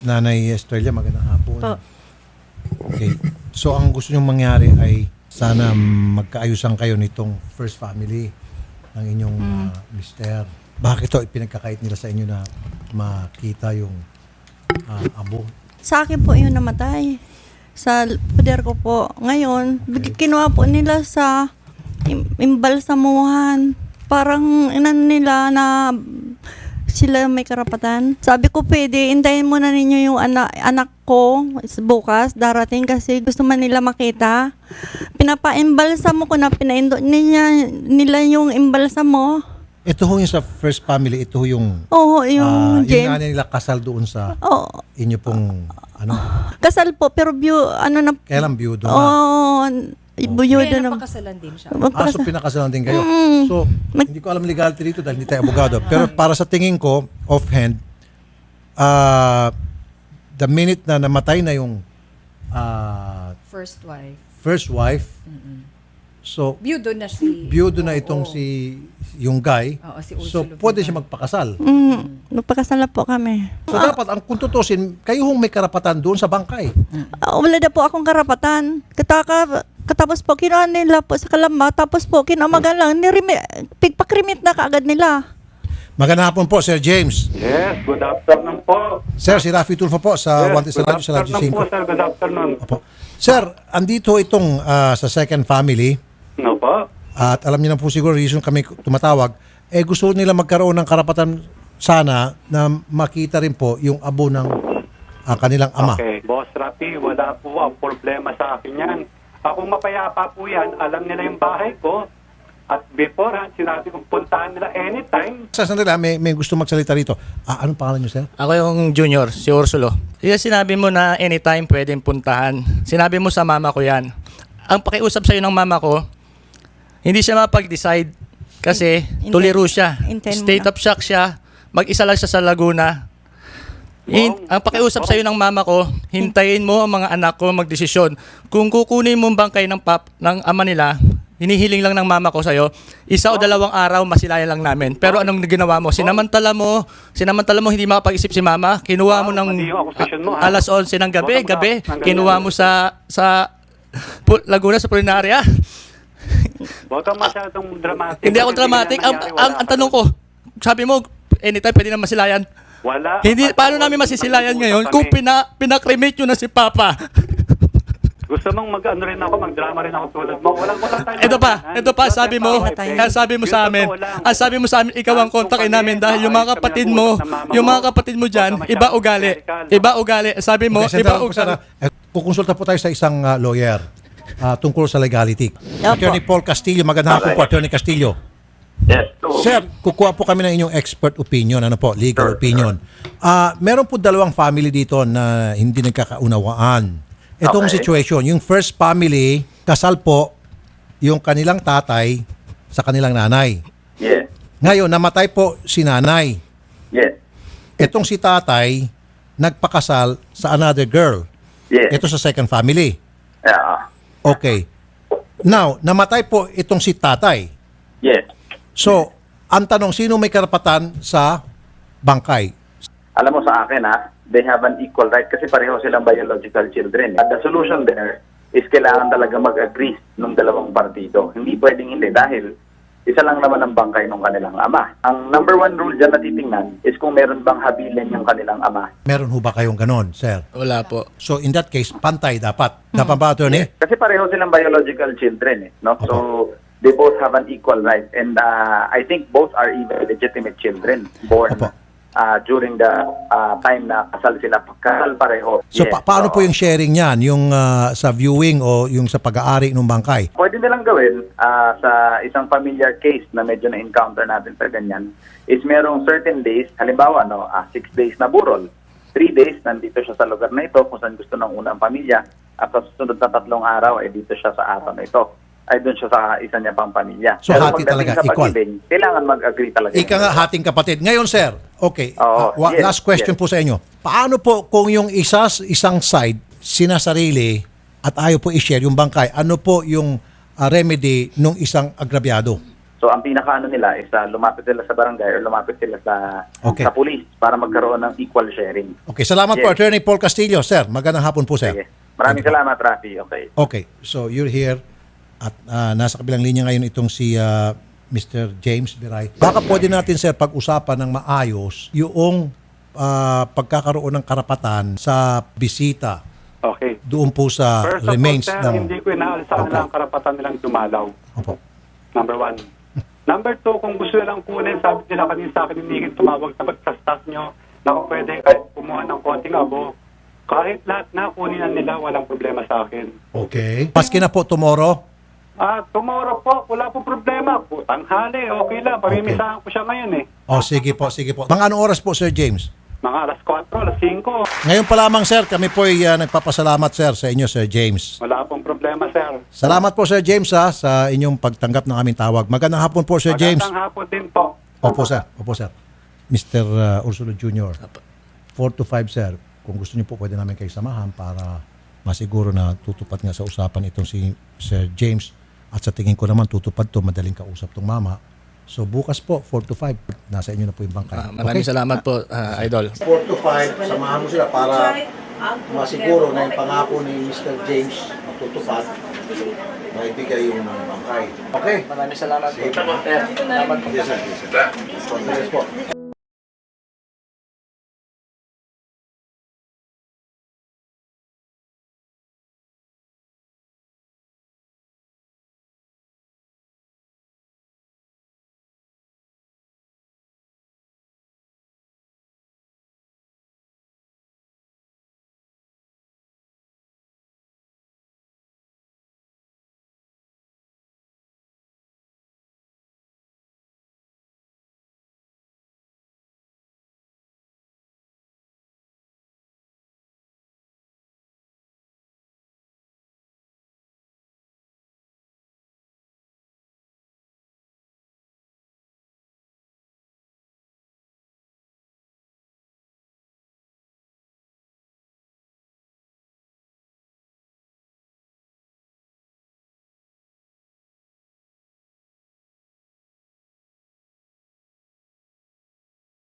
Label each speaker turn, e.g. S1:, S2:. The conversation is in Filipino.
S1: Nanay Estrella, magandang hapon.
S2: Po.
S1: Okay. So, ang gusto nyong mangyari ay sana magkaayusan kayo nitong first family ng inyong mister. Bakit to ipinagkakait nila sa inyo na makita yung abo?
S2: Sa akin po yung namatay. Sa poder ko po. Ngayon, kinuha po nila sa imbalsamuhan. Parang inan nila na sila may karapatan. Sabi ko, pwede, intayin muna ninyo yung anak ko bukas, darating kasi gusto man nila makita. Pinapaimbalsamo ko na pinaindo nila yung imbalsamo.
S1: Ito ho yung sa first family, ito ho yung
S2: Oo, yung
S1: yung
S2: Jem.
S1: nanay nila kasal doon sa
S2: Oo.
S1: inyo pong
S2: Kasal po, pero
S1: kailan biyudo na?
S2: Oo, buyudo
S3: Kaya
S2: na.
S3: napakasalan din siya.
S1: So pinakasalan din kayo. So, hindi ko alam legality dito dahil hindi tayo abogado. Pero para sa tingin ko, offhand, the minute na namatay na yung
S3: First wife.
S1: first wife, so,
S3: Biyudo na si...
S1: biyudo na itong yung guy,
S3: Oo, si
S1: so
S3: Ursulo
S1: pwede
S3: Vidal.
S1: siya magpakasal.
S2: Magpakasal na po kami.
S1: So dapat, ang kung tutusin, kayo hong may karapatan doon sa bangkay.
S2: Wala na po akong karapatan. Katapos po, kinuha nila po sa Kalamba. Tapos po, kinamagan lang. Pigpakrimit na kaagad nila.
S1: Magandang hapon po, Sir James.
S4: Yes, good afternoon po.
S1: Sir, si Rafi Tulfo po sa
S4: Yes,
S1: Wanted sa
S4: good
S1: Radyo, sa Radyo
S4: afternoon po,
S1: 5.
S4: sir. Good afternoon.
S1: Opo. Sir, andito itong sa second family.
S4: No po?
S1: At alam niyo na po siguro reason kami tumatawag, gusto nila magkaroon ng karapatan sana na makita rin po yung abo ng kanilang ama.
S4: Okay. Boss Rafi, wala po ang problema sa akin yan. Akong mapayapa po yan, alam nila yung bahay ko. At beforehand, sinabi kong puntahan nila anytime.
S1: Sa sandali, may gusto magsalita rito. Anong pangalan niyo, sir?
S5: Ako yung junior, si Ursulo. Yung sinabi mo na anytime pwedeng puntahan. Sinabi mo sa mama ko yan. Ang pakiusap sa'yo ng mama ko, hindi siya mapag-decide kasi tuliro siya. State of shock siya. Mag-isa lang siya sa Laguna. Ang pakiusap sa'yo ng mama ko, hintayin mo ang mga anak ko magdesisyon. Kung kukunin mo ang bangkay ng ama nila, hinihiling lang ng mama ko sa'yo, 1 o 2 araw masilayan lang namin. Pero anong ginawa mo? Sinamantala mo hindi makapag-isip si mama. Kinuha mo ng
S4: mali yung akusasyon mo, ha?
S5: alas 11 ng gabi.
S4: Hanggang
S5: Kinuha
S4: yan.
S5: mo sa Laguna sa Pulinaria.
S4: Huwag kang masyadong dramatic.
S5: Hindi ako
S4: Kasi
S5: dramatic.
S4: ganyan nangyari, wala
S5: Ang
S4: pa
S5: tanong
S4: doon.
S5: ko, sabi mo, anytime pwede na masilayan.
S4: Wala.
S5: Hindi, paano namin masisilayan ngayon kung pinakremate nyo na si Papa?
S4: Gusto mong mag-ano rin ako, mag-drama rin ako tulad mo. Walang tayo.
S5: Ito pa, sabi mo sa amin, ikaw ang kontakin namin dahil yung mga kapatid mo dyan, iba ugali. Sabi mo,
S1: Okay,
S5: iba
S1: sandali po,
S5: ugali.
S1: kukonsulta po tayo sa isang lawyer tungkol sa legality.
S2: Opo.
S1: Attorney Paul Castillo, magandang hapon po, Attorney Castillo.
S4: Yes.
S1: Sir, kukuha po kami ng inyong expert opinion, legal opinion. Meron po 2 family dito na hindi nagkakaunawaan. Itong situation, yung first family, kasal po yung kanilang tatay sa kanilang nanay.
S6: Yes.
S1: Ngayon, namatay po si nanay.
S6: Yes.
S1: Itong si tatay, nagpakasal sa another girl.
S6: Yes.
S1: Ito sa second family.
S6: Yeah.
S1: Okay. Now, namatay po itong si tatay.
S6: Yes.
S1: So, ang tanong, sino may karapatan sa bangkay?
S6: Alam mo sa akin they have an equal right kasi pareho silang biological children. At the solution there is kailangan talaga mag-agree ng 2 partido. Hindi pwedeng hindi dahil isa lang naman ang bangkay ng kanilang ama. Ang number 1 rule dyan na titingnan is kung meron bang habilin yung kanilang ama.
S1: Meron ho ba kayong ganon, sir?
S5: Wala po.
S1: So, in that case, pantay dapat. Dapat ba, attorney?
S6: Kasi pareho silang biological children no? So they both have an equal right and I think both are even legitimate children born
S1: Opo.
S6: during the time na kasal sila. Kasal pareho.
S1: So,
S6: Yes.
S1: paano po yung sharing niyan? Yung sa viewing o yung sa pag-aari ng bangkay?
S6: Pwede nilang gawin sa isang familiar case na medyo na-encounter natin sa ganyan is merong certain days, halimbawa 6 days na burol, 3 days nandito siya sa lugar na ito kung saan gusto ng unang pamilya at sa susunod na 3 araw ay dito siya sa araw na ito. Ay doon siya sa isa niya pang pamilya.
S1: So, hati
S6: pagdating
S1: talaga,
S6: sa
S1: equal.
S6: pag-ibig, kailangan mag-agree talaga.
S1: Ika nga, hating kapatid. Ngayon, sir, okay,
S6: Oo, yes,
S1: last question
S6: yes.
S1: po sa inyo. Paano po kung yung isang side, sinasarili at ayaw po i-share yung bangkay, ano po yung remedy nung isang agrabyado?
S6: So ang pinakaano nila is lumapit sila sa barangay or lumapit sila
S1: Okay.
S6: sa police para magkaroon ng equal sharing.
S1: Okay, salamat po,
S6: Yes.
S1: Attorney Paul Castillo. Sir, magandang hapon po, sir.
S6: Sige. Maraming salamat, Rafi. Okay.
S1: Okay, so you're here at nasa kabilang linya ngayon itong si Mr. James Biray. Baka pwede natin, sir, pag-usapan ng maayos yung pagkakaroon ng karapatan sa bisita
S4: Okay.
S1: doon po sa
S4: First of all,
S1: remains
S4: sir,
S1: ng...
S4: hindi ko inaalsahan
S1: Okay.
S4: ang karapatan nilang dumalaw.
S1: Opo.
S4: Number 1. Number 2, kung gusto nilang kunin, sabi nila kanina sa akin, hindi tumawag sa staff nyo na kung pwede kahit kumuha ng konting abo. Kahit lahat na kunin na nila, walang problema sa akin.
S1: Okay. Paski na po tomorrow.
S4: Tomorrow po, wala po problema. Tanghali, okay lang. Pamimisahan ko siya ngayon eh.
S1: O, sige po, sige po. Mga anong oras po, Sir James?
S4: Mga alas 4, alas 5.
S1: Ngayon pa lamang, sir, kami po ay nagpapasalamat, sir, sa inyo, Sir James.
S4: Wala pong problema, sir.
S1: Salamat po, Sir James, sa inyong pagtanggap ng aming tawag. Magandang hapon po, Sir James.
S4: Magandang hapon din po.
S1: Opo, sir. Opo, sir. Mr. Ursulo Jr., 4 to 5, sir. Kung gusto niyo po, pwede namin kayo samahan para masiguro na tutupad nga sa usapan itong si Sir James. At sa tingin ko naman, tutupad to, madaling kausap tong mama. So bukas po, 4 to 5, nasa inyo na po yung bangkay.
S5: Maraming salamat po, Idol.
S1: 4 to 5, samahan mo sila para masiguro na yung pangako ni Mr. James matutupad, maibigay yung bangkay. Okay?
S5: Maraming salamat po.
S1: Yes, sir. Yes, sir. Yes, sir.